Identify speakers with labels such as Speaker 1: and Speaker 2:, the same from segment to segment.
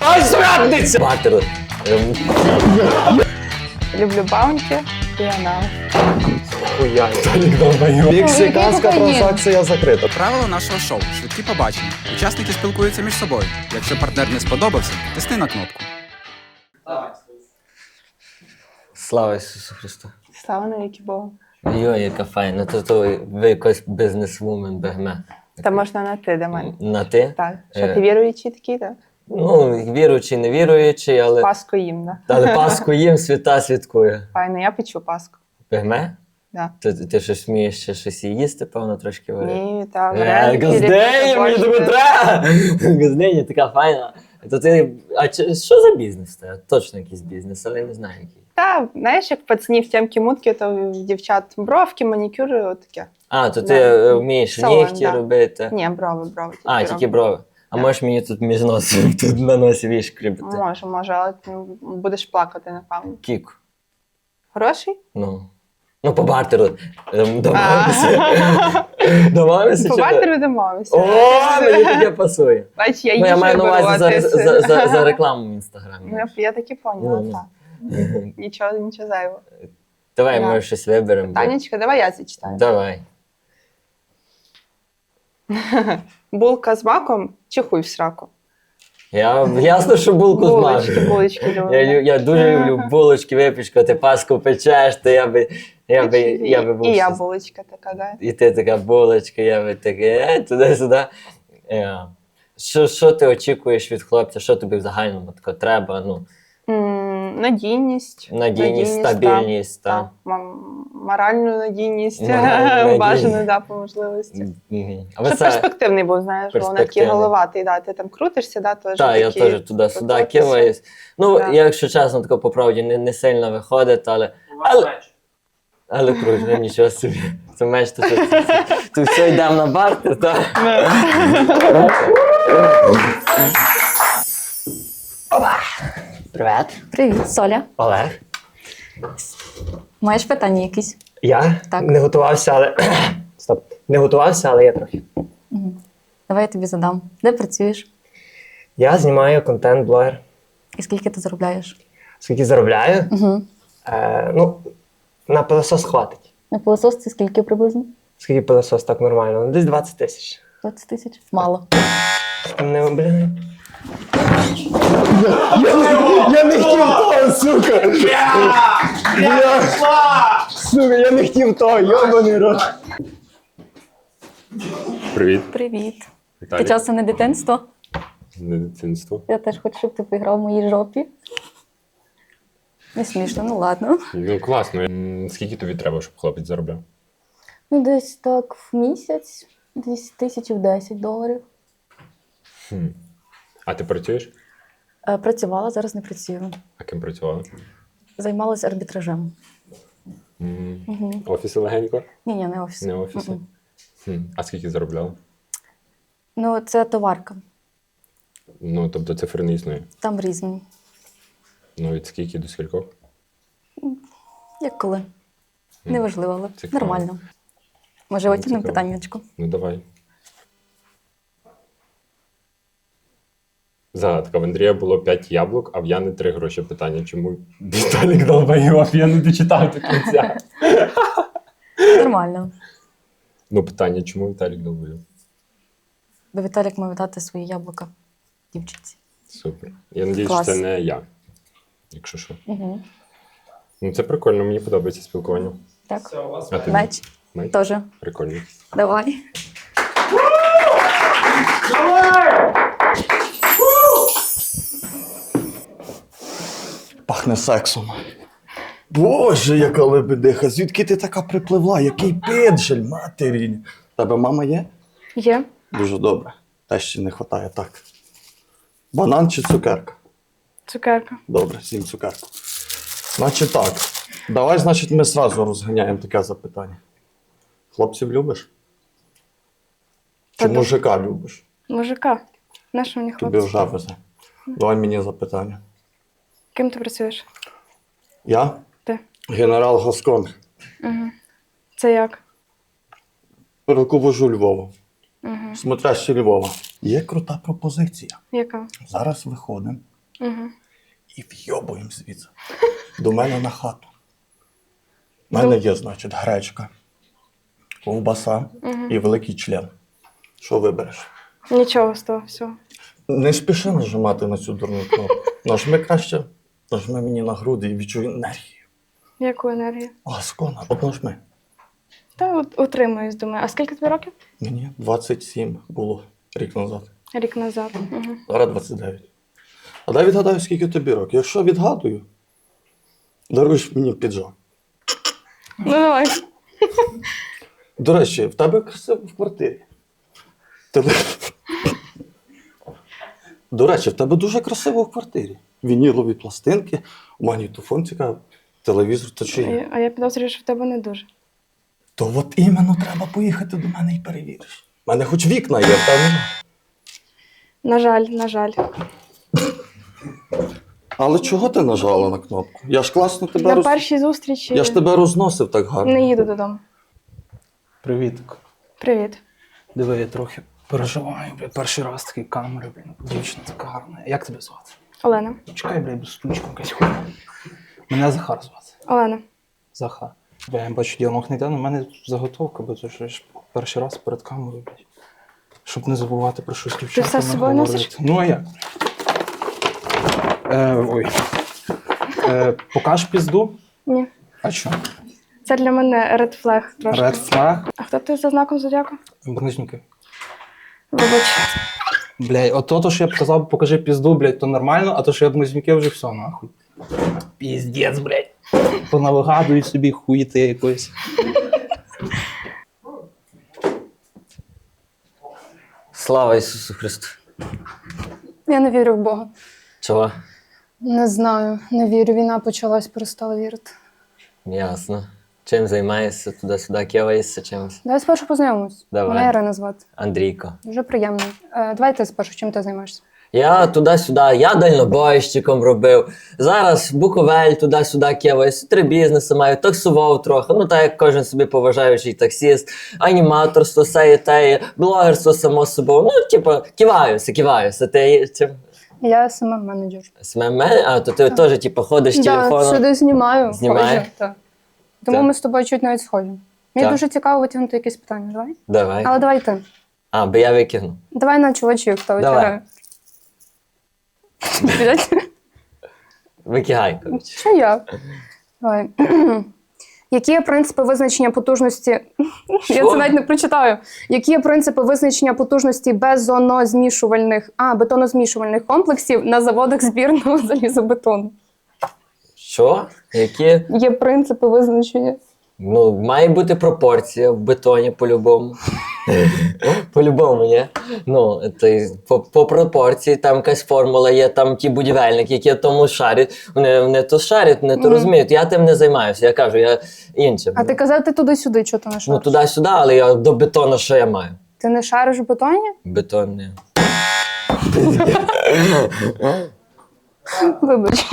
Speaker 1: Ай, зрадниця! Бартер.
Speaker 2: Люблю баунті і анал.
Speaker 1: Хуя. Мексиканська транзакція закрита.
Speaker 3: Правила нашого шоу швидкі побачення. Учасники спілкуються між собою. Якщо партнер не сподобався, тисни на кнопку.
Speaker 1: Слава Ісусу Христу.
Speaker 2: Слава навіки Богу.
Speaker 1: Йой, яка файна. То ви якось бізнес-вумен бегме.
Speaker 2: Та можна на ти до мене.
Speaker 1: На ти?
Speaker 2: Так. Що ти віруючий такий, так?
Speaker 1: Ну, віруючий, не віруючий, але...
Speaker 2: Паску їм, так?
Speaker 1: Але Пасху їм, свята святкує.
Speaker 2: Файно, я печу паску.
Speaker 1: Бегме?
Speaker 2: Да.
Speaker 1: Ти щось вмієш ще щось їсти, певно, трошки варити?
Speaker 2: Ні, так.
Speaker 1: Газденя, мені Дмитра! Газденя така файна. То ти, що за бізнес? Точно якийсь бізнес, але не знаю який.
Speaker 2: Та, знаєш, як пацанів тямки-мутки, то в дівчат бровки, манікюри, отаке.
Speaker 1: А, то ти вмієш
Speaker 2: Салон,
Speaker 1: нігті
Speaker 2: да.
Speaker 1: робити?
Speaker 2: Ні, брови.
Speaker 1: Тільки брови. А можеш мені тут між носом, тут на носі віж кріпити?
Speaker 2: Може, але ти будеш плакати, напевно.
Speaker 1: Кік.
Speaker 2: Хороший?
Speaker 1: Ну, по бартеру. Домовимося?
Speaker 2: По бартеру домовимося.
Speaker 1: О, мені таке пасує.
Speaker 2: Бач, я
Speaker 1: Ну, я
Speaker 2: їжу
Speaker 1: маю на увазі
Speaker 2: виборотися.
Speaker 1: за рекламу в Інстаграмі.
Speaker 2: Ну, я так і поняла,
Speaker 1: Ну.
Speaker 2: так. Нічого зайвого.
Speaker 1: Давай,
Speaker 2: Да.
Speaker 1: ми щось виберемо.
Speaker 2: Танечка, давай я зачитаю.
Speaker 1: Давай.
Speaker 2: Булка з маком чи хуй в сраку?
Speaker 1: Ясно, що булку з маком.
Speaker 2: Булочки люблю.
Speaker 1: Я дуже люблю булочки, випічку, ти паску печеш, то я би був.
Speaker 2: І я булочка така, да.
Speaker 1: І ти така булочка, я би таке, туди-сюди. Що ти очікуєш від хлопця? Що тобі в загальному тако треба?
Speaker 2: Надійність.
Speaker 1: Надійність, стабільність,
Speaker 2: так. Моральну надійність,
Speaker 1: Моральну
Speaker 2: бажану, да, по можливості. Щоб перспективний був, знаєш, бо вона такий
Speaker 1: Перспективний.
Speaker 2: головатий, да, ти там крутишся, да, теж
Speaker 1: Так, я
Speaker 2: такий
Speaker 1: теж туди-сюди
Speaker 2: потоки.
Speaker 1: киваюсь. Ну,
Speaker 2: Да.
Speaker 1: якщо чесно, тако по правді не сильно виходить, але круто, нічого собі. Це меч, то все йдемо на бартер, так? Привет.
Speaker 4: Привіт, Соля.
Speaker 1: Олег.
Speaker 4: Маєш питання якісь?
Speaker 1: Я
Speaker 4: Так.
Speaker 1: не готувався, але... Стоп. Не готувався, але я трохи.
Speaker 4: Давай я тобі задам. Де працюєш?
Speaker 1: Я знімаю контент-блогер.
Speaker 4: І скільки ти заробляєш?
Speaker 1: Скільки заробляю?
Speaker 4: Угу.
Speaker 1: На пилосос хватить.
Speaker 4: На пилососці скільки приблизно?
Speaker 1: Скільки пилосос так нормально? Десь 20 тисяч.
Speaker 4: 20 тисяч? Мало.
Speaker 1: Блін. Я не хотів того, сука! Сука, я не хотів того, йобаний рот.
Speaker 5: Привіт.
Speaker 4: Привіт.
Speaker 5: Віталій.
Speaker 4: Ти часом не дитинство?
Speaker 5: Не дитинство.
Speaker 4: Я теж хочу, щоб ти поіграв в моїй жопі. Не смішно, ну ладно.
Speaker 5: Ну класно. Скільки тобі треба, щоб хлопець заробляв?
Speaker 4: Ну, десь так в місяць, десь $1010.
Speaker 5: А ти працюєш?
Speaker 4: Працювала, зараз не працюю.
Speaker 5: А ким працювала?
Speaker 4: Займалася арбітражем.
Speaker 5: Офіси легенько?
Speaker 4: Ні, не офіс.
Speaker 5: Не офіси? А скільки заробляла?
Speaker 4: Ну, це товарка.
Speaker 5: Ну, тобто цифри не існує.
Speaker 4: Там різні.
Speaker 5: Ну, від скільки до скількох?
Speaker 4: Як коли. Неважливо, але
Speaker 5: Цікаво.
Speaker 4: нормально. Може, витягнемо
Speaker 5: цікаво.
Speaker 4: питаннячко?
Speaker 5: Ну, давай. Загадка. В Андрія було 5 яблук, а в Яни 3 гроші. Питання, чому Віталік долбайов? Я не дочитав до кінця.
Speaker 4: Нормально.
Speaker 5: Ну, питання, чому Віталік долбайов?
Speaker 4: Бо Віталік мав дати свої яблука дівчинці.
Speaker 5: Супер. Я надіюсь,
Speaker 4: Клас.
Speaker 5: що це не я. Якщо що.
Speaker 4: Угу.
Speaker 5: Ну, це прикольно, мені подобається спілкування.
Speaker 4: Так.
Speaker 5: А тобі?
Speaker 4: Меч.
Speaker 5: Меч?
Speaker 4: Теж.
Speaker 5: Прикольно.
Speaker 4: Давай.
Speaker 6: Пахне сексом. Боже, яка лебедиха, звідки ти така припливла? Який пиджель, матері. Тебе мама є?
Speaker 2: Є.
Speaker 6: Дуже добре. Те ще не вистачає, так. Банан чи цукерка?
Speaker 2: Цукерка.
Speaker 6: Добре, з'їм цукерку. Значить так. Давай, значить, ми зразу розганяємо таке запитання. Хлопців любиш? Чи
Speaker 2: Та
Speaker 6: мужика любиш?
Speaker 2: Мужика. На що мені
Speaker 6: Тобі вже везе. Давай мені запитання.
Speaker 2: Ким ти працюєш?
Speaker 6: Я?
Speaker 2: Ти.
Speaker 6: Генерал Гаскон.
Speaker 2: Це як?
Speaker 6: Руковожу Львова. Смотрящий Львова. Є крута пропозиція.
Speaker 2: Яка?
Speaker 6: Зараз виходимо
Speaker 2: Угу.
Speaker 6: І вйобуємо звідси. До мене на хату. У мене є, значить, гречка, ковбаса і великий член. Що вибереш?
Speaker 2: Нічого з того всього.
Speaker 6: Не спіши нажимати на цю дурну кнопку. Нажми краще, нажми мені на груди і відчуй енергію.
Speaker 2: Яку енергію?
Speaker 6: Ласкона, от нажми.
Speaker 2: Та от утримуюсь, думаю. А скільки тобі років?
Speaker 6: Мені 27 було рік назад.
Speaker 2: Рік назад. Угу.
Speaker 6: Зараз 29. А дай відгадаю, скільки тобі років. Якщо відгадую, даруєш мені піджак.
Speaker 2: Ну давай.
Speaker 6: До речі, в тебе красиво в квартирі. До речі, в тебе дуже красиво в квартирі. Вінілові пластинки, магнітофон цікавий, телевізор то чи є.
Speaker 2: А я підозрюю, що в тебе не дуже.
Speaker 6: То от іменно треба поїхати до мене і перевіриш. У мене хоч вікна є, в тебе нема.
Speaker 2: На жаль, на жаль.
Speaker 6: Але чого ти нажала на кнопку? Я ж класно тебе
Speaker 2: На першій зустрічі
Speaker 6: Я ж тебе розносив так гарно.
Speaker 2: не їду додому.
Speaker 7: Привітик.
Speaker 2: Привіт.
Speaker 7: Диви, я трохи переживаю, блядь. Перший раз такий камери, блін. Дівчина така гарна. Як тебе звати?
Speaker 2: Олена.
Speaker 7: Чекай, блядь, без стручку якась хуйня. Мене Захар звати.
Speaker 2: Олена.
Speaker 7: Захар. Бо я бачу, діалог не йде, але в мене заготовка, бо це ж перший раз перед камерою, блядь. Щоб не забувати про щось дівчата.
Speaker 2: все з собою носиш?
Speaker 7: Ну а як? Ой. Покаж пізду?
Speaker 2: Ні.
Speaker 7: А що?
Speaker 2: Це для мене red flag трошки.
Speaker 7: Ред флаг?
Speaker 2: А хто ти за знаком зодіаку?
Speaker 7: Близнюки.
Speaker 2: Вибач.
Speaker 7: Блядь, от то, що я б казав, покажи пізду, блядь, то нормально, а то, що я близнюки вже все, нахуй. Піздець, блядь. Понавигадують собі хуїти якоїсь.
Speaker 1: Слава Ісусу Христу.
Speaker 4: Я не вірю в Бога.
Speaker 1: Чого?
Speaker 4: Не знаю, не вірю. Війна почалась, перестала вірити.
Speaker 1: Ясно. Чим займаєшся туди-сюди, киваєшся чимось?
Speaker 4: Давай спершу познайомимось.
Speaker 1: Давай.
Speaker 4: Мене Ірина звати.
Speaker 1: Андрійко.
Speaker 4: Дуже приємно. Давай ти спершу, чим ти займаєшся?
Speaker 1: Я туди-сюди, я дальнобойщиком робив. Зараз Буковель туди-сюди киваюсь, 3 бізнеси маю, таксував трохи. Ну так як кожен собі поважаючий таксіст, аніматорство, сеє теє, блогерство само собою. Ну, типу, киваюся. Ти чим?
Speaker 4: Я СММ-менеджер.
Speaker 1: СММ? А, то ти теж, типу, ходиш
Speaker 4: Так,
Speaker 1: телефоном.
Speaker 4: сюди знімаю.
Speaker 1: Знімає?
Speaker 4: ходжу, так. Тому
Speaker 1: Так.
Speaker 4: ми з тобою чуть навіть схожі. Мені
Speaker 1: Так.
Speaker 4: дуже цікаво витягнути якісь питання. Давай?
Speaker 1: Давай.
Speaker 4: Але давай ти.
Speaker 1: А, бо я викину.
Speaker 4: Давай на чувачів, хто
Speaker 1: Давай.
Speaker 4: витягає.
Speaker 1: Викигай, коротше.
Speaker 4: Що я? Давай. Які є принципи визначення потужності? Я це навіть не прочитаю. Які є принципи визначення потужності бетонозмішувальних комплексів на заводах збірного залізобетону?
Speaker 1: Що? Які?
Speaker 4: Є принципи визначення.
Speaker 1: Ну, має бути пропорція в бетоні по-любому. По-любому, ні? Ну, по пропорції, там якась формула є, там ті будівельники, які тому шарять. Вони то шарять, не то розуміють. Я тим не займаюся, я кажу, я іншим.
Speaker 4: А ти казав, ти туди-сюди, чого ти не
Speaker 1: Ну,
Speaker 4: шариш?
Speaker 1: туди-сюди, але я до бетону що я маю?
Speaker 4: Ти не шариш в бетоні?
Speaker 1: Бетон не.
Speaker 4: Вибач.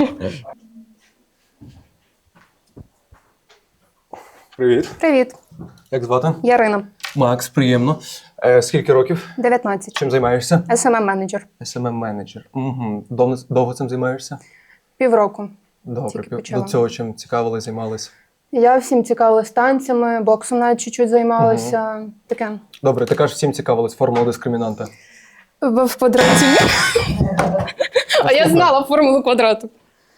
Speaker 8: Привіт.
Speaker 4: Привіт,
Speaker 8: Як звати?
Speaker 4: Ярина,
Speaker 8: Макс, приємно. Скільки років?
Speaker 4: 19.
Speaker 8: Чим займаєшся?
Speaker 4: СММ-менеджер.
Speaker 8: SMM-менеджер. Угу. Довго цим займаєшся?
Speaker 4: Півроку.
Speaker 8: Добре.
Speaker 4: Тільки почала.
Speaker 8: До цього чим цікавились, займалися?
Speaker 4: Я всім цікавилась танцями, боксом навіть чуть-чуть займалася. Таке.
Speaker 8: Добре, ти кажеш, всім цікавились формула дискримінанта.
Speaker 4: В квадраті. А я знала формулу квадрату.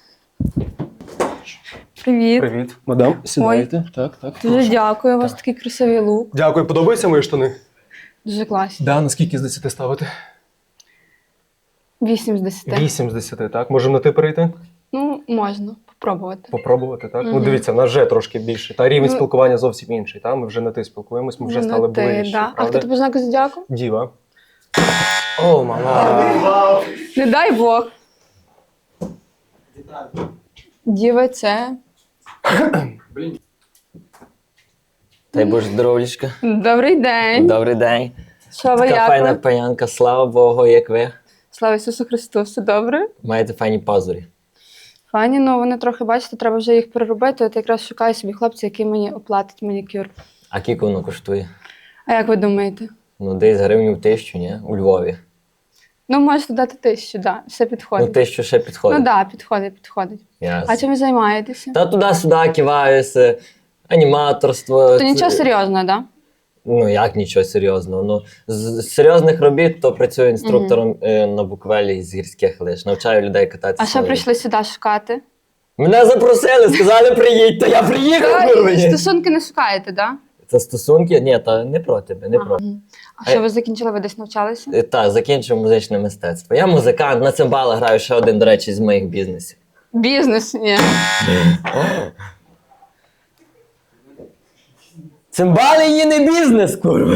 Speaker 4: Привіт.
Speaker 8: Привіт. Мадам, сідайте. Так.
Speaker 4: Дуже дякую, у вас такий красивий лук.
Speaker 8: Дякую, подобаються мої штани?
Speaker 4: Дуже класні.
Speaker 8: Да, наскільки з 10 ставити?
Speaker 4: 8 з 10.
Speaker 8: 8 з 10, так? Можемо на ти перейти?
Speaker 4: Ну, можна попробувати.
Speaker 8: Попробувати, так? Ну дивіться, в нас вже трошки більше. Та рівень спілкування зовсім інший. Та? Ми вже на ти спілкуємось, ми вже стали ближче.
Speaker 4: Да. А
Speaker 8: Правда?
Speaker 4: хто ти по знаку зодіаку?
Speaker 8: Діва. О, мала.
Speaker 4: Не дай Бог. Діва це.
Speaker 1: Дай Боже здоров'ячка.
Speaker 4: Добрий день.
Speaker 1: Добрий день.
Speaker 4: Що ви
Speaker 1: Така
Speaker 4: як?
Speaker 1: файна
Speaker 4: ви?
Speaker 1: паянка, слава Богу, як ви.
Speaker 4: Слава Ісусу Христу, все добре?
Speaker 1: Маєте файні пазурі.
Speaker 4: Фані, ну вони трохи, бачите, треба вже їх переробити. От якраз шукаю собі хлопця, який мені оплатить манікюр.
Speaker 1: А скільки воно коштує?
Speaker 4: А як ви думаєте?
Speaker 1: Ну, десь гривню 1000, ні? У Львові.
Speaker 2: Ну, можете дати 1000, да. Все
Speaker 1: Ну,
Speaker 2: підходить.
Speaker 1: 1000 ще підходить.
Speaker 2: Ну так, да, підходить.
Speaker 1: Ясно.
Speaker 2: А чим ви займаєтеся?
Speaker 1: Та туди-сюди киваюся, аніматорство.
Speaker 2: То нічого серйозного, да?
Speaker 1: Ну, як нічого серйозного. Ну, з серйозних робіт, то працюю інструктором на буквелі з гірських лиж. Навчаю людей кататися.
Speaker 2: А що прийшли сюди шукати?
Speaker 1: Мене запросили, сказали, приїдь, то я приїхав, курва.
Speaker 2: Стосунки не шукаєте, да?
Speaker 1: Це стосунки? Ні, та не про тебе, не про.
Speaker 2: А що ви закінчили? Ви десь навчалися?
Speaker 1: Так, закінчив музичне мистецтво. Я музикант, на цимбалах граю ще один, до речі, з моїх бізнесів.
Speaker 2: Бізнес, ні.
Speaker 1: Цимбали її не бізнес, курва.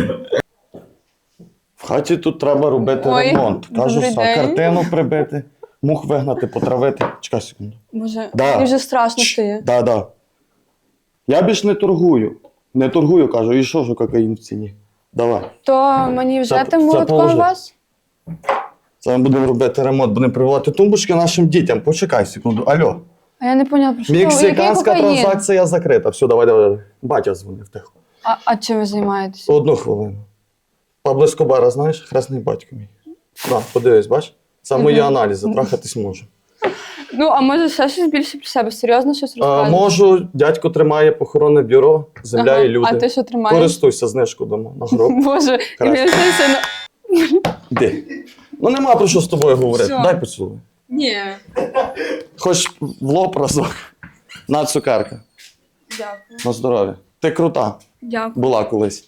Speaker 6: В хаті тут треба робити
Speaker 2: Ой,
Speaker 6: ремонт. Кажу,
Speaker 2: добрий
Speaker 6: все,
Speaker 2: день.
Speaker 6: картину прибити, мух вигнати, потравити. Чекай секунду.
Speaker 2: Боже,
Speaker 6: Да.
Speaker 2: мені вже страшно стає.
Speaker 6: Да. Я більш не торгую. Не торгую, кажу, і що ж кокаїн в ціні? Давай.
Speaker 2: То мені вже
Speaker 6: Це
Speaker 2: тим молотком
Speaker 6: положи.
Speaker 2: вас?
Speaker 6: Це ми будемо робити ремонт, будемо прививати тумбочки нашим дітям. Почекай секунду. Алло.
Speaker 2: А я не поняла, про що ви? Який
Speaker 6: Мексиканська
Speaker 2: кокаїн?
Speaker 6: транзакція закрита. Все, давай. Батя дзвонив тихо.
Speaker 2: А чим ви займаєтесь?
Speaker 6: Одну хвилину. Пабло Ескобара, знаєш, хресний батько мій. На, подивись, бач? Це мої аналізи, трахатись можу.
Speaker 2: Ну, а може ще щось більше про себе? Серйозно щось розказуєте?
Speaker 6: Можу, дядько тримає похоронне бюро, земля
Speaker 2: Ага.
Speaker 6: і люди.
Speaker 2: А ти що тримаєш?
Speaker 6: Користуйся знижку дома на гроб.
Speaker 2: Боже,
Speaker 6: Краще.
Speaker 2: я все
Speaker 6: Де? Ну нема про що з тобою говорити.
Speaker 2: Все.
Speaker 6: Дай поцілуй.
Speaker 2: Ні.
Speaker 6: Хоч в лоб разок. На цукерка.
Speaker 2: Дякую.
Speaker 6: На здоров'я. Ти крута.
Speaker 2: Дякую.
Speaker 6: Була колись.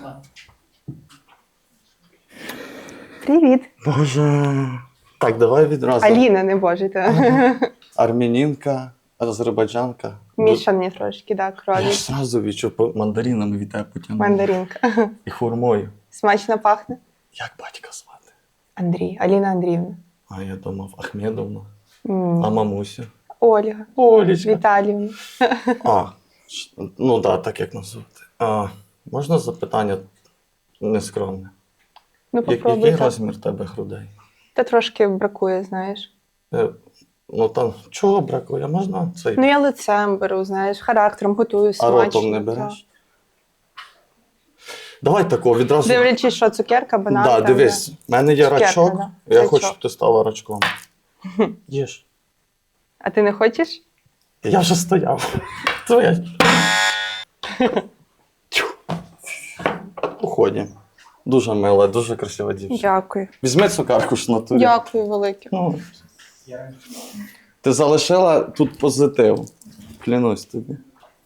Speaker 2: Привіт.
Speaker 6: Боже. Так, давай відразу.
Speaker 2: Аліна, не боже, та.
Speaker 6: Армянінка, азербайджанка.
Speaker 2: Мішані трошки, да,
Speaker 6: Я
Speaker 2: крові.
Speaker 6: ж зразу відчув, мандаринами від тебе потягнув.
Speaker 2: Мандаринка.
Speaker 6: І хурмою.
Speaker 2: Смачно пахне?
Speaker 6: Як батька звати?
Speaker 2: Андрій, Аліна Андріївна.
Speaker 6: А я думав, Ахмедовна.
Speaker 2: М.
Speaker 6: А мамуся?
Speaker 2: Ольга.
Speaker 6: Олічка.
Speaker 2: Віталіївна.
Speaker 6: Ну так, так як назвати. Можна запитання нескромне?
Speaker 2: Ну,
Speaker 6: Який
Speaker 2: попробуй.
Speaker 6: розмір тебе грудей?
Speaker 2: Та трошки бракує, знаєш.
Speaker 6: Ну там чого бракує? Можна цей?
Speaker 2: Ну, я лицем беру, знаєш, характером готую
Speaker 6: А
Speaker 2: смачно.
Speaker 6: ротом не береш? Давай такого відразу.
Speaker 2: Дивлячись, що цукерка, банан.
Speaker 6: Да,
Speaker 2: там,
Speaker 6: дивись, в мене є
Speaker 2: Цукерка,
Speaker 6: рачок,
Speaker 2: да.
Speaker 6: я
Speaker 2: Рачок.
Speaker 6: хочу, щоб ти стала рачком. Їж.
Speaker 2: А ти не хочеш?
Speaker 6: Я вже стояв. Твоя. Уході. Дуже мила, дуже красива дівчина.
Speaker 2: Дякую.
Speaker 6: Візьми цукерку ж на турі.
Speaker 2: Дякую велике.
Speaker 6: Ну, ти залишила тут позитив. Клянусь тобі.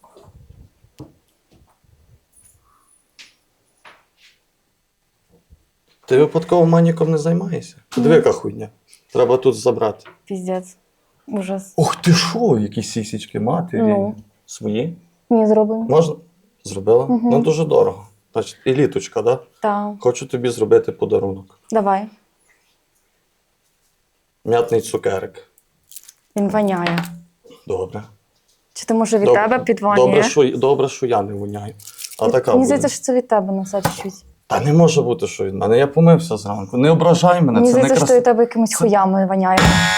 Speaker 6: Ти випадково маніком не займаєшся? Диви, яка хуйня. Треба тут забрати.
Speaker 9: Піздець. Ужас.
Speaker 6: Ух ти що, які сісічки матері.
Speaker 9: Ну.
Speaker 6: Свої?
Speaker 9: Ні, зроблено.
Speaker 6: Можна? Зробила? Ну дуже дорого. Значить, і літочка, да?
Speaker 9: Так.
Speaker 6: Хочу тобі зробити подарунок.
Speaker 9: Давай.
Speaker 6: М'ятний цукерик.
Speaker 9: Він воняє.
Speaker 6: Добре.
Speaker 9: Чи то може від тебе підванює?
Speaker 6: Добре, що я не воняю. А така
Speaker 9: Мені
Speaker 6: буде.
Speaker 9: здається, що це від тебе на все чуть.
Speaker 6: Та не може бути, що від мене. Я помився зранку. Не ображай мене,
Speaker 9: Мені
Speaker 6: це не
Speaker 9: здається, що
Speaker 6: красиво.
Speaker 9: від тебе якимись хуями воняє.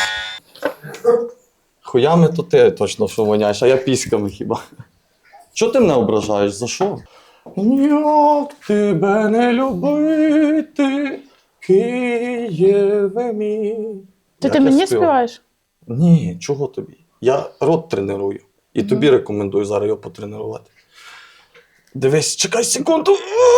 Speaker 6: Хуями то ти точно що воняєш, а я піськами хіба. Чого ти мене ображаєш? За що? Як тебе не любити, Києве мій.
Speaker 2: То
Speaker 6: Як
Speaker 2: ти
Speaker 6: я
Speaker 2: мені
Speaker 6: співав?
Speaker 2: співаєш?
Speaker 6: Ні, чого тобі? Я рот треную. І тобі рекомендую зараз його потренувати. Дивись, чекай секунду.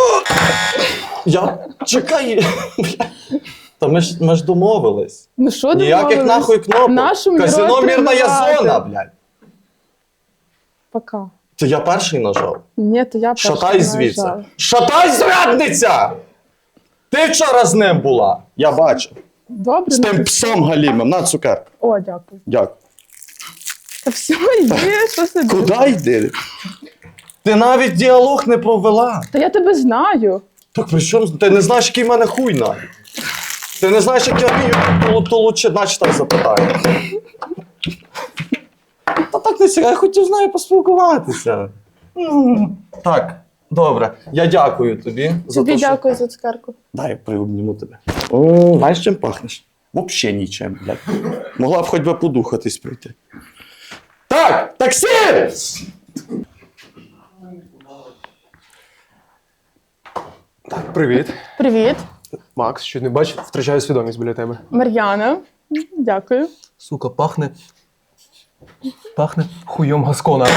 Speaker 6: Чекай. Та ми ж домовились.
Speaker 2: Ну що
Speaker 6: Ніяких нахуй кнопок. Казино мірна є зона, блядь.
Speaker 2: Пока.
Speaker 6: Це я перший нажав.
Speaker 2: Ні, то я
Speaker 6: Шатай звідси. Шатай, зрадниця! Ти вчора з ним була. Я бачив.
Speaker 2: Добре.
Speaker 6: З тим псом галімим. На цукерку.
Speaker 2: О, дякую.
Speaker 6: Дякую.
Speaker 2: Та все, йди, що собі.
Speaker 6: Куди йди? Ти навіть діалог не провела.
Speaker 2: Та я тебе знаю.
Speaker 6: Так при чому? Ти не знаєш, який в мене хуй навіть. Ти не знаєш, як я вмію толуче, наче так запитаю. Та так не цікаво, я хотів з нею поспілкуватися. Так, добре. Я дякую тобі за
Speaker 2: Тобі
Speaker 6: те, що...
Speaker 2: дякую за цукерку.
Speaker 6: Дай приобніму тебе. О, знаєш, чим пахнеш? Вообще нічим, блядь. Могла б хоч би подухатись прийти. Так, таксі! Так, привіт.
Speaker 2: Привіт.
Speaker 8: Макс, що не бачиш, втрачаю свідомість біля тебе.
Speaker 2: Мар'яна. Дякую.
Speaker 8: Сука, пахне. Пахне хуйом Гаскона.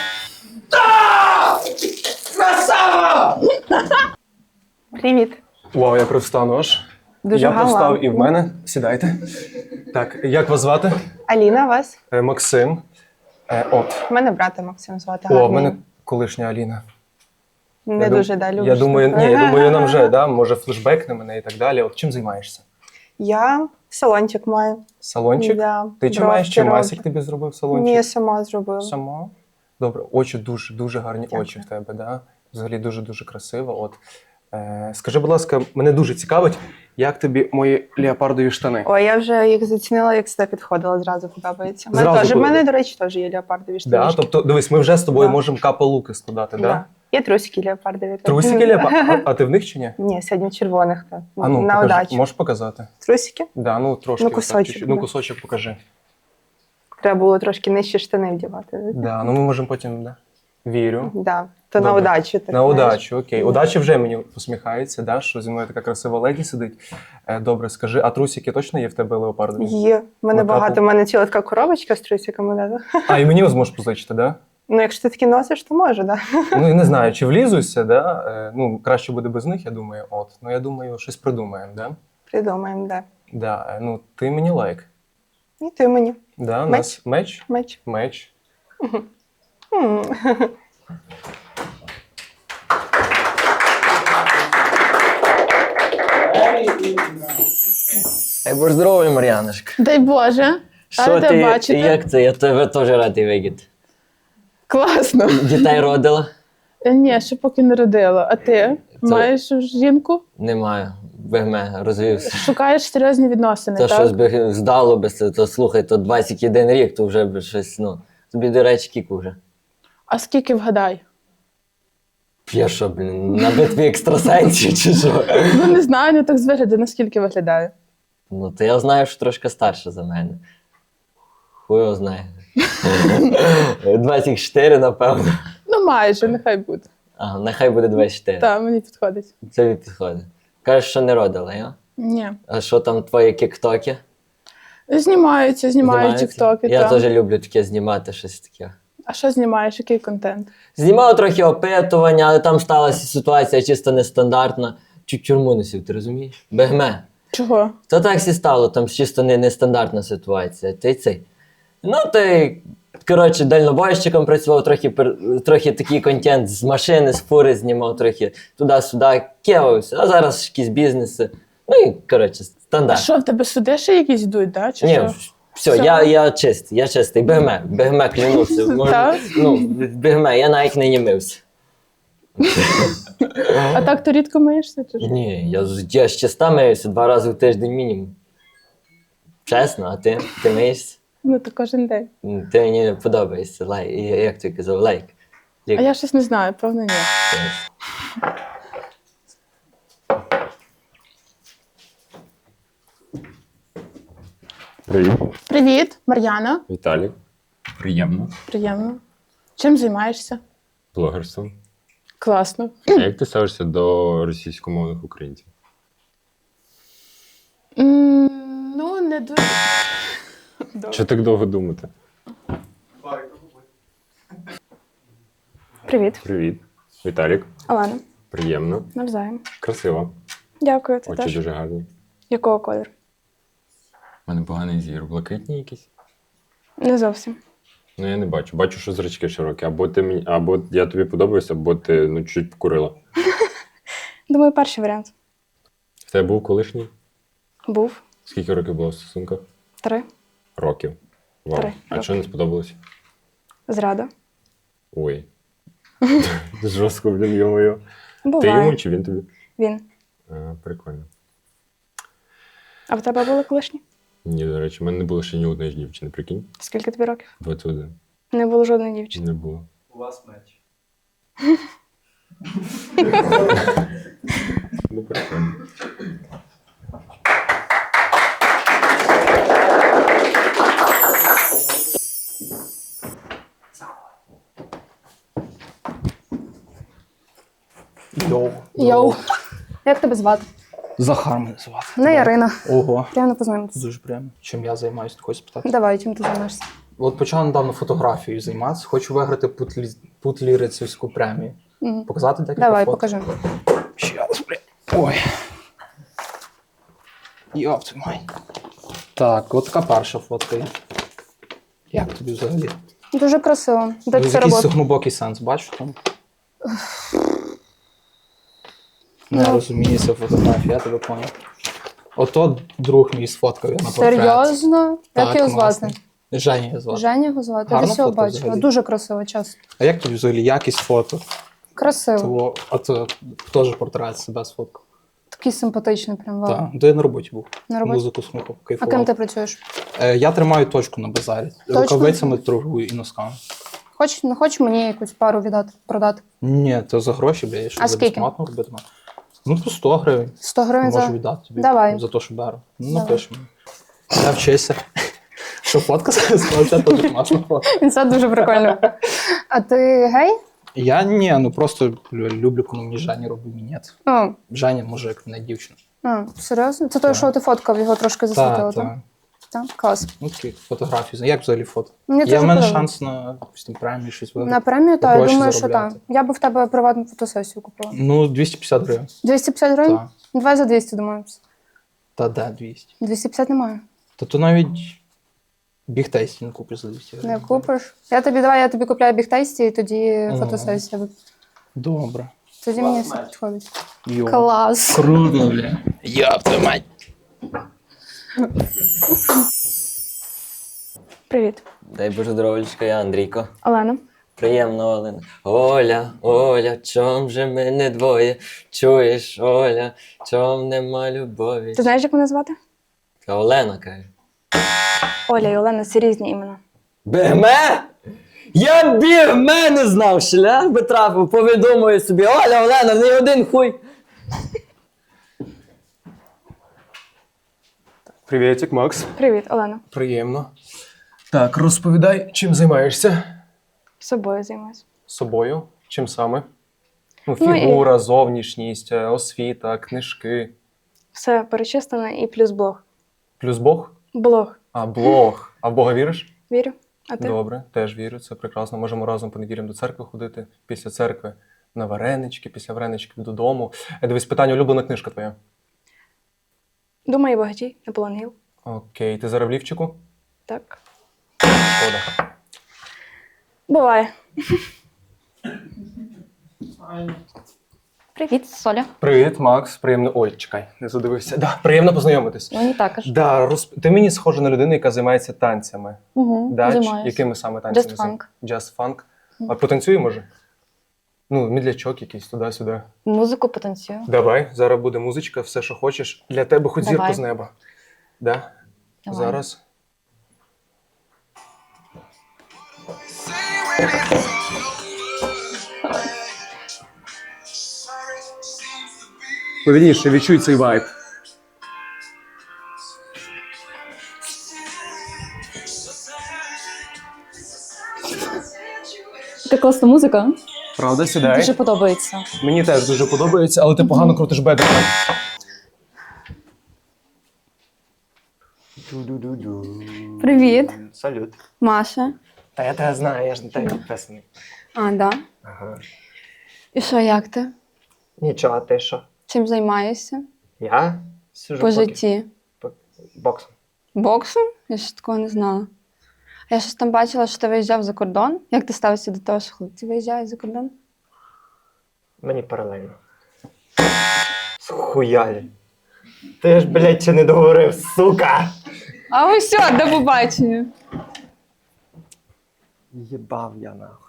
Speaker 2: Привіт.
Speaker 8: Вау, я привстану аж.
Speaker 2: Дуже
Speaker 8: Я
Speaker 2: галантно.
Speaker 8: привстав і в мене. Сідайте. Так, як вас звати?
Speaker 2: Аліна, вас?
Speaker 8: Максим. От.
Speaker 2: У мене брата Максим звати.
Speaker 8: О, в
Speaker 2: гарний.
Speaker 8: мене колишня Аліна.
Speaker 2: Не
Speaker 8: Я
Speaker 2: дуже, да, любиш.
Speaker 8: Я думаю,
Speaker 2: таке.
Speaker 8: ні, я думаю, нам вже, да, може флешбек на мене і так далі. От чим займаєшся?
Speaker 2: Я салончик маю.
Speaker 8: Салончик?
Speaker 2: Да,
Speaker 8: Ти чи маєш, чи
Speaker 2: бровки
Speaker 8: Масік
Speaker 2: роблю.
Speaker 8: тобі зробив салончик?
Speaker 2: Ні, сама зробила.
Speaker 8: Сама? Добре, очі дуже гарні
Speaker 2: Дякую.
Speaker 8: очі в тебе, да? Взагалі дуже красиво. От. Скажи, будь ласка, мене дуже цікавить, як тобі мої леопардові штани?
Speaker 2: Ой, я вже їх зацінила, як сюди підходила, зразу подобається.
Speaker 8: Зразу
Speaker 2: В мене, до речі, теж є леопардові
Speaker 8: Да?
Speaker 2: штанішки.
Speaker 8: Тобто, дивись, ми вже з тобою
Speaker 2: Да.
Speaker 8: можемо капа-луки складати, да?
Speaker 2: Да. Є трусики леопардові. теж.
Speaker 8: Трусики леопард? А ти в них чи ні?
Speaker 2: Ні, сьогодні в червоних. Так.
Speaker 8: А ну,
Speaker 2: На
Speaker 8: покажи.
Speaker 2: удачу.
Speaker 8: Можеш показати?
Speaker 2: Трусики?
Speaker 8: Да, ну трошки.
Speaker 2: Ну,
Speaker 8: отак,
Speaker 2: кусочок,
Speaker 8: чуть-чуть. Ну,
Speaker 2: да.
Speaker 8: кусочок покажи.
Speaker 2: Треба було трошки нижче штани вдівати.
Speaker 8: Да, ну ми можемо потім, да. Вірю.
Speaker 2: Да. То на
Speaker 8: Добре.
Speaker 2: удачу. Так,
Speaker 8: На
Speaker 2: знаєш.
Speaker 8: удачу, окей. Удача вже мені посміхається, да, що зі мною така красива леді сидить. Добре, скажи, а трусики точно є в тебе леопардові?
Speaker 2: Є. В мене
Speaker 8: На
Speaker 2: багато.
Speaker 8: капу?
Speaker 2: У мене ціла така коробочка з трусиками. Да.
Speaker 8: А, і мені зможеш позичити, да?
Speaker 2: Ну, якщо ти такі носиш, то може, да.
Speaker 8: Ну, я не знаю, чи влізуся, да? Ну, краще буде без них, я думаю, от. Ну, я думаю, щось придумаємо, да?
Speaker 2: Придумаємо, да.
Speaker 8: Да, ну, ти мені лайк.
Speaker 2: І ти мені.
Speaker 8: Да, у нас меч?
Speaker 2: Меч.
Speaker 8: Меч.
Speaker 2: М.
Speaker 1: Ей, будь здоровий, Мар'яночка.
Speaker 2: Дай Боже.
Speaker 1: Що
Speaker 2: Рада
Speaker 1: ти,
Speaker 2: бачити.
Speaker 1: як це? Я тебе теж радий видіти.
Speaker 2: Класно.
Speaker 1: Дітей родила?
Speaker 2: Ні, ще поки не родила. А ти? Маєш жінку?
Speaker 1: Немає. Бегме, розвівся.
Speaker 2: Шукаєш серйозні відносини,
Speaker 1: Це
Speaker 2: так?
Speaker 1: щось би здало би, то слухай, то 21 рік, то вже би щось, ну, тобі, до речі, кіку вже.
Speaker 2: А скільки вгадай?
Speaker 1: Я що, блін, на битві екстрасенсів чи що?
Speaker 2: Ну не знаю, не так з вигляду, наскільки виглядає.
Speaker 1: Ну, то я знаю, що трошки старша за мене. Хуй його знає. 24, напевно.
Speaker 2: Ну майже, нехай буде.
Speaker 1: А, нехай буде 24.
Speaker 2: Так, мені підходить.
Speaker 1: Це підходить. Кажеш, що не родила, я?
Speaker 2: Ні.
Speaker 1: А що там твої кіктоки?
Speaker 2: Знімаються, знімаю
Speaker 1: Знімаються?
Speaker 2: тіктоки.
Speaker 1: Я
Speaker 2: так.
Speaker 1: теж люблю таке знімати, щось таке.
Speaker 2: А що знімаєш? Який контент?
Speaker 1: Знімав трохи опитування, але там сталася ситуація чисто нестандартна. Чуть тюрму не сів, ти розумієш? Бегме.
Speaker 2: Чого?
Speaker 1: То так всі стало, там чисто нестандартна ситуація. Ти цей. Ну, ти, коротше, дальнобойщиком працював, трохи такий контент з машини, з фури знімав, трохи туди-сюди, кевався, а зараз якісь бізнеси. Ну і, коротше,
Speaker 2: А
Speaker 1: стандарт.
Speaker 2: що, в тебе суди ще якісь йдуть, да? Чи
Speaker 1: Ні,
Speaker 2: що?
Speaker 1: все,
Speaker 2: Все?
Speaker 1: я чистий, бегме, клянуся.
Speaker 2: Так?
Speaker 1: Ну, бегме, я навіть не мився.
Speaker 2: А так то рідко миєшся? Чи що?
Speaker 1: Ні, я з чиста миюся 2 рази в тиждень мінімум. Чесно, а ти? Ти миєшся?
Speaker 2: Ну, то кожен день.
Speaker 1: Ти мені не подобаєшся, лайк. Як ти казав, лайк.
Speaker 2: А я щось не знаю, певно, ні.
Speaker 5: Привіт.
Speaker 2: Привіт, Мар'яна.
Speaker 5: Віталік. Приємно.
Speaker 2: Приємно. Чим займаєшся?
Speaker 5: Блогерством.
Speaker 2: Класно.
Speaker 5: А як ти ставишся до російськомовних українців?
Speaker 2: Ну, не дуже.
Speaker 5: Що так довго думати?
Speaker 9: Привіт,
Speaker 5: Привіт. Віталік.
Speaker 9: Олена.
Speaker 5: Приємно.
Speaker 9: Навзаєм.
Speaker 5: Красиво.
Speaker 9: Дякую, ти
Speaker 5: Очі
Speaker 9: теж.
Speaker 5: дуже гарні.
Speaker 9: Якого кольору?
Speaker 5: У мене поганий зір. Блакитні якісь?
Speaker 9: Не зовсім.
Speaker 5: Ну я не бачу. Бачу, що зрачки широкі. Або я тобі подобаюся, або ти ну, чуть покурила.
Speaker 9: Думаю, перший варіант.
Speaker 5: В тебе був колишній?
Speaker 9: Був.
Speaker 5: Скільки років було в стосунках?
Speaker 9: 3.
Speaker 5: Років. Вау.
Speaker 9: 3
Speaker 5: А
Speaker 9: роки.
Speaker 5: що не сподобалось?
Speaker 9: Зрада.
Speaker 5: Ой. Жорстко, блін, йо-моє. Ти
Speaker 9: Буває.
Speaker 5: йому чи він тобі?
Speaker 9: Він.
Speaker 5: Прикольно.
Speaker 9: А в тебе були колишні?
Speaker 5: Ні, до речі, в мене не було ще ні одної дівчини, прикинь.
Speaker 9: Скільки тобі років?
Speaker 5: 21.
Speaker 9: Не було жодної дівчини.
Speaker 5: Не було.
Speaker 7: У вас меч.
Speaker 5: Ну, прикольно.
Speaker 6: Йоу.
Speaker 4: Йоу. Як тебе звати?
Speaker 7: Захар мене звати.
Speaker 4: Не Ярина.
Speaker 7: Ого.
Speaker 4: Приємно познайомитися.
Speaker 7: Дуже приємно. Чим я займаюся, ти хочеш спитати?
Speaker 4: Давай, чим ти займаєшся?
Speaker 7: От почав недавно фотографією займатися. Хочу виграти путлірицівську премію.
Speaker 4: Мгм.
Speaker 7: Показати декілька
Speaker 4: Давай,
Speaker 7: фото?
Speaker 4: покажи.
Speaker 7: Ще раз, блядь. Ой. Йоп, твою мать. Так, от така перша фотка є. Як тобі взагалі?
Speaker 4: Дуже красиво. Де
Speaker 7: Якийсь
Speaker 4: це робота?
Speaker 7: глибокий сенс, бачиш там? Не
Speaker 4: Ну.
Speaker 7: розуміється фотографія, я тебе поняв. Ото друг мій сфоткав я на портрет.
Speaker 4: Серйозно? Як його звати?
Speaker 7: класний. Женя його звати.
Speaker 4: Женя його звати. Я
Speaker 7: Гарна
Speaker 4: десь його
Speaker 7: фото
Speaker 4: бачила.
Speaker 7: взагалі.
Speaker 4: Дуже красиво, чесно.
Speaker 7: А як тобі взагалі якість фото?
Speaker 4: Красиво.
Speaker 7: Того, а то теж портрет себе сфоткав.
Speaker 4: Такий симпатичний, прям вау.
Speaker 7: Так, то я на роботі був.
Speaker 4: На роботі?
Speaker 7: Музику слухав,
Speaker 4: А
Speaker 7: кайфував.
Speaker 4: ким ти працюєш?
Speaker 7: Я тримаю точку на базарі.
Speaker 4: Точно?
Speaker 7: Рукавицями торгую і носками.
Speaker 4: Не хочеш мені якусь пару віддати, продати?
Speaker 7: Ні, то за гроші, бля, я що
Speaker 4: А
Speaker 7: за
Speaker 4: скільки?
Speaker 7: безплатно робити. Ну, по 100 гривень.
Speaker 4: 100 гривень
Speaker 7: Можу
Speaker 4: за...
Speaker 7: віддати тобі
Speaker 4: Давай.
Speaker 7: за те, що беру. Ну,
Speaker 4: Давай.
Speaker 7: напиш мені. Я вчися. Що фотка зараз? Це теж класна фотка.
Speaker 4: Це дуже прикольно. А ти гей?
Speaker 7: Я ні, ну просто люблю, коли мені Женя робить мінет.
Speaker 4: О,
Speaker 7: Женя мужик, не дівчина.
Speaker 4: серйозно? Це той, що ти фоткав, його трошки засвітило,
Speaker 7: Так,
Speaker 4: так?
Speaker 7: так.
Speaker 4: Так, клас.
Speaker 7: Ну, такі фотографії. Як взагалі фото?
Speaker 4: Мені
Speaker 7: Є
Speaker 4: дуже
Speaker 7: в мене
Speaker 4: подобається.
Speaker 7: шанс на якусь там премію, щось виграти?
Speaker 4: На премію, так, я
Speaker 7: Гроші
Speaker 4: думаю, що так.
Speaker 7: заробляти.
Speaker 4: Я би в тебе приватну фотосесію купила.
Speaker 7: Ну, 250 гривень.
Speaker 4: 250 гривень?
Speaker 7: Так.
Speaker 4: Давай за 200 домовимося.
Speaker 7: Та де 200?
Speaker 4: 250 немає.
Speaker 7: Та то навіть бігтейсті не купиш за 200 гривень.
Speaker 4: Не купиш. Я тобі купляю бігтейсті і тоді фотосесія.
Speaker 7: Добре.
Speaker 4: Тоді мені все підходить.
Speaker 7: Йо.
Speaker 4: Клас.
Speaker 7: Круто, бля. Йоп, твою мать.
Speaker 9: Привіт.
Speaker 1: Дай Боже здоров'ячка, я Андрійко.
Speaker 9: Олена.
Speaker 1: Приємно, Олена. Оля, Оля, чом же ми не двоє? Чуєш, Оля, чом нема любові?
Speaker 9: Ти знаєш, як мене звати?
Speaker 1: Та Олена каже.
Speaker 9: Оля і Олена це різні імена.
Speaker 1: Бігме? Я бігме не знав, шлях би трапив, повідомую собі. Оля, Олена, не один хуй.
Speaker 8: Привітик, Макс.
Speaker 9: Привіт, Олена.
Speaker 8: Приємно. Так, розповідай, чим займаєшся?
Speaker 9: Собою займаюся.
Speaker 8: Собою? Чим саме? Ну,
Speaker 9: Ну, і-
Speaker 8: фігура, зовнішність, освіта, книжки.
Speaker 9: Все перечислено і плюс блог.
Speaker 8: Плюс Бог?
Speaker 9: Блог.
Speaker 8: А, блог. А в Бога віриш?
Speaker 9: Вірю. А ти?
Speaker 8: Добре, теж вірю, це прекрасно. Можемо разом по неділям до церкви ходити, після церкви на варенички, після вареничків додому. Дивись, питання, улюблена книжка твоя.
Speaker 9: Думаю, багатій. Наполеон Гіл.
Speaker 8: Окей, ти зараз в лівчику?
Speaker 9: Так.
Speaker 8: Шкода.
Speaker 9: Буває. Привіт, Соля.
Speaker 8: Привіт, Макс. Приємно. Ой, чекай, не задивився. Да, приємно познайомитись.
Speaker 9: Мені також.
Speaker 8: Да, ти мені схожа на людину, яка займається танцями.
Speaker 9: Угу,
Speaker 8: Да?
Speaker 9: займаюся.
Speaker 8: Якими саме танцями?
Speaker 9: Just funk.
Speaker 8: Just funk. А потанцюємо, може? Ну, мідлячок якийсь туди-сюди.
Speaker 9: Музику потанцюю.
Speaker 8: Давай, зараз буде музичка, все, що хочеш. Для тебе хоч
Speaker 9: Давай.
Speaker 8: зірку з неба. Да?
Speaker 9: Давай.
Speaker 8: Зараз. Повільніше, відчуй цей вайб.
Speaker 10: Така класна музика.
Speaker 8: Правда, сідай.
Speaker 10: Дуже подобається.
Speaker 8: Мені теж дуже подобається, але ти погано крутиш бедра.
Speaker 10: Привіт,
Speaker 8: Салют.
Speaker 10: Маша.
Speaker 8: Та я тебе знаю, я ж на тебе підписаний.
Speaker 10: А, да.
Speaker 8: Ага.
Speaker 10: І що, як ти?
Speaker 8: Нічого, а ти що?
Speaker 10: Чим займаєшся
Speaker 8: Я сижу
Speaker 10: по житті?
Speaker 8: боксом.
Speaker 10: Боксом? Я ж такого не знала. Я щось там бачила, що ти виїжджав за кордон. Як ти ставишся до того, що хлопці виїжджають за кордон?
Speaker 11: Мені паралельно. Схуялі. Ти ж, блядь, ще не договорив, сука!
Speaker 10: А ось все, до побачення.
Speaker 11: Єбав я нахуй.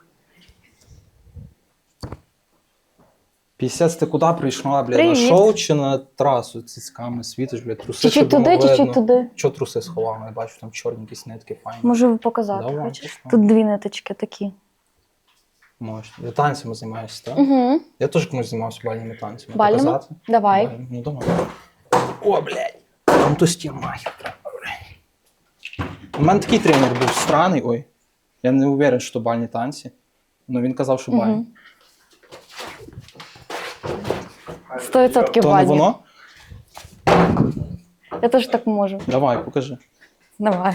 Speaker 7: 50 ти куди прийшла, блядь? На
Speaker 10: Привіт.
Speaker 7: шоу чи на трасу цицьками світиш, блядь? Труси
Speaker 10: Чуть-чуть
Speaker 7: щоб
Speaker 10: туди,
Speaker 7: було
Speaker 10: чуть-чуть
Speaker 7: видно.
Speaker 10: туди.
Speaker 7: Чого труси сховав? Я бачу, там чорні якісь нитки файні.
Speaker 10: Можу показати.
Speaker 7: Давай,
Speaker 10: Хочеш?
Speaker 7: пішла.
Speaker 10: Тут дві ниточки такі.
Speaker 7: Можеш. Я танцями займаюся, так?
Speaker 10: Угу.
Speaker 7: Я теж комусь займався бальними танцями.
Speaker 10: Бальними?
Speaker 7: Показати?
Speaker 10: Давай.
Speaker 7: Бальними. Ну, давай. О, блядь. Там то стімахи треба, блядь. У мене такий тренер був странний, ой. Я не уверен, що бальні танці. Але він казав, що бальні.
Speaker 10: 100%
Speaker 7: То не
Speaker 10: бальні.
Speaker 7: воно?
Speaker 9: Я теж так можу.
Speaker 7: Давай, покажи.
Speaker 9: Давай.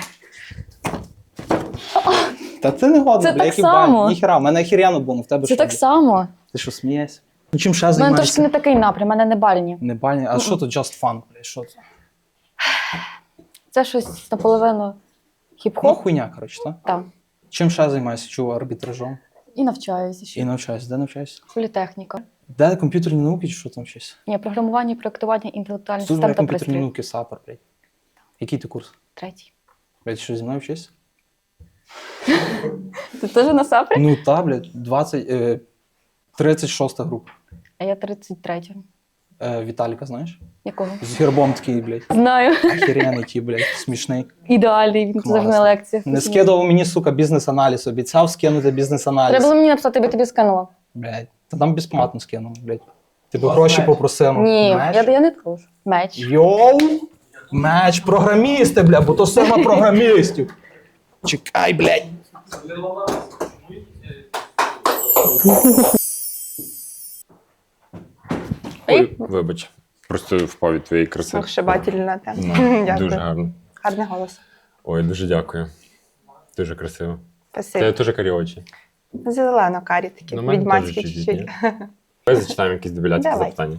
Speaker 7: Та це не годно,
Speaker 9: Це
Speaker 7: бля,
Speaker 9: так
Speaker 7: які
Speaker 9: само.
Speaker 7: баль. Ніхера, в мене охеренно було, в тебе
Speaker 9: Це
Speaker 7: що?
Speaker 9: так само.
Speaker 7: Ти що, смієшся? Ну чим ще
Speaker 9: У мене трошки
Speaker 7: займаєшся?
Speaker 9: не такий напрям, у мене не бальні.
Speaker 7: Не бальні. А що тут just fun, бля, що це?
Speaker 9: Це щось наполовину
Speaker 7: Ну,
Speaker 9: хіп-хоп.
Speaker 7: хуйня, коротше, так?
Speaker 9: Там.
Speaker 7: Чим ще займаєшся? Чого, арбітражом?
Speaker 9: І навчаюся ще.
Speaker 7: І навчаєшся. Де навчаєшся?
Speaker 9: Політехніка.
Speaker 7: Де комп'ютерні науки чи що там щось?
Speaker 9: Ні, програмування, проєктування, інтелектуальних
Speaker 7: Тут
Speaker 9: систем та
Speaker 7: комп'ютерні
Speaker 9: пристроїв.
Speaker 7: науки, сапер, блядь. Який ти курс?
Speaker 9: 3-й.
Speaker 7: Блядь, що зі мною вчишся?
Speaker 9: Ти теж на сапрі?
Speaker 7: Ну та, блядь, 36 група.
Speaker 9: А я 33.
Speaker 7: Віталіка, знаєш?
Speaker 9: Якого?
Speaker 7: З гербом такий, блядь.
Speaker 9: Знаю.
Speaker 7: Охеренний ті, блядь, смішний.
Speaker 9: Ідеальний, він завжди на лекціях.
Speaker 7: Не скидував мені, сука, бізнес-аналіз. Обіцяв скинути бізнес-аналіз.
Speaker 9: Треба було мені написати, я тобі скинула.
Speaker 7: Блядь, та там безплатно скинув, блядь. Тебе гроші попросив.
Speaker 9: Ні,
Speaker 7: Меч?
Speaker 9: я не прошу. Меч.
Speaker 7: Йоу! Меч, програмісти, бля, бо то сема програмістів. Чекай, блядь.
Speaker 5: Ой, вибач. Просто впав від твоєї краси.
Speaker 2: Охшибательна тема.
Speaker 5: Ну,
Speaker 2: Дякую.
Speaker 5: дуже гарно.
Speaker 2: Гарний голос.
Speaker 5: Ой, дуже дякую. Дуже красиво.
Speaker 2: Спасибо.
Speaker 5: Тебе теж карі очі.
Speaker 2: Зелено-карі такі,
Speaker 5: Ну, в мене
Speaker 2: відьмацькі
Speaker 5: теж
Speaker 2: чуть-чуть.
Speaker 5: ні? Давай зачитаємо якісь дебіляцькі
Speaker 2: Давай.
Speaker 5: запитання.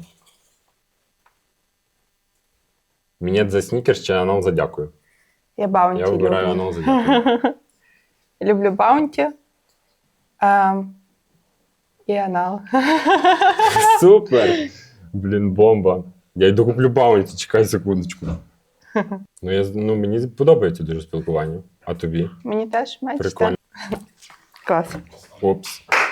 Speaker 5: Мінет за снікерс чи анал за дякую?
Speaker 2: Я баунті
Speaker 5: Я вибираю
Speaker 2: люблю.
Speaker 5: анал за дякую.
Speaker 2: Люблю баунті. І анал.
Speaker 5: Супер! Блін, бомба. Я йду куплю баунті, чекай секундочку. Мені подобається дуже спілкування. А тобі?
Speaker 2: Мені теж меч.
Speaker 5: Прикольно.
Speaker 2: Клас.
Speaker 5: Опс.